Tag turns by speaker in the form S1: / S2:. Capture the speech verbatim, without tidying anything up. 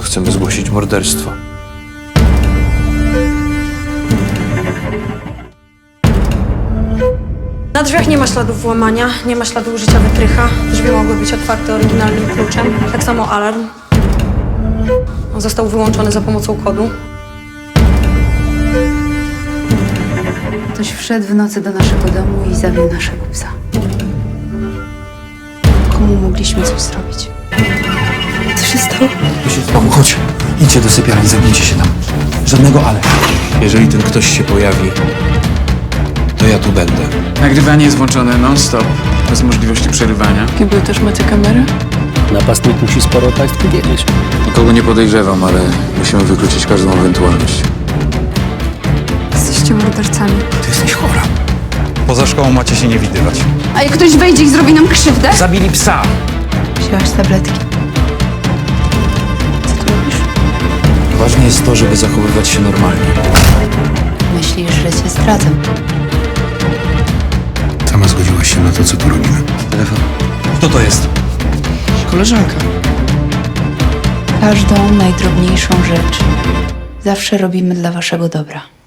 S1: chcemy zgłosić morderstwo.
S2: Na drzwiach nie ma śladów włamania, nie ma śladu użycia wytrycha. Drzwi mogły być otwarte oryginalnym kluczem. Tak samo alarm. On został wyłączony za pomocą kodu.
S3: Ktoś wszedł w nocy do naszego domu i zabił naszego psa. Komu mogliśmy coś zrobić? Co się stało?
S4: Paweł, chodź. Idźcie do sypialni, zamknijcie się tam. Żadnego ale.
S1: Jeżeli ten ktoś się pojawi, to ja tu będę.
S5: Nagrywanie jest włączone non-stop, bez możliwości przerywania.
S6: W kiblu też macie kamerę?
S7: Napastnik musi sporo o państwu wiedzieć.
S1: Nikogo nie podejrzewam, ale musimy wykluczyć każdą ewentualność.
S3: Jesteście mordercami.
S4: Ty jesteś chora. Poza szkołą macie się nie widywać.
S3: A jak ktoś wejdzie i zrobi nam krzywdę?
S4: Zabili psa.
S3: Wzięłaś tabletki. Co tu robisz?
S4: Ważne jest to, żeby zachowywać się normalnie.
S3: Myślisz, że cię zdradzę.
S8: Sama zgodziłaś się na to, co tu robimy.
S4: Telefon. Kto to jest?
S5: Koleżanka.
S3: Każdą najdrobniejszą rzecz zawsze robimy dla waszego dobra.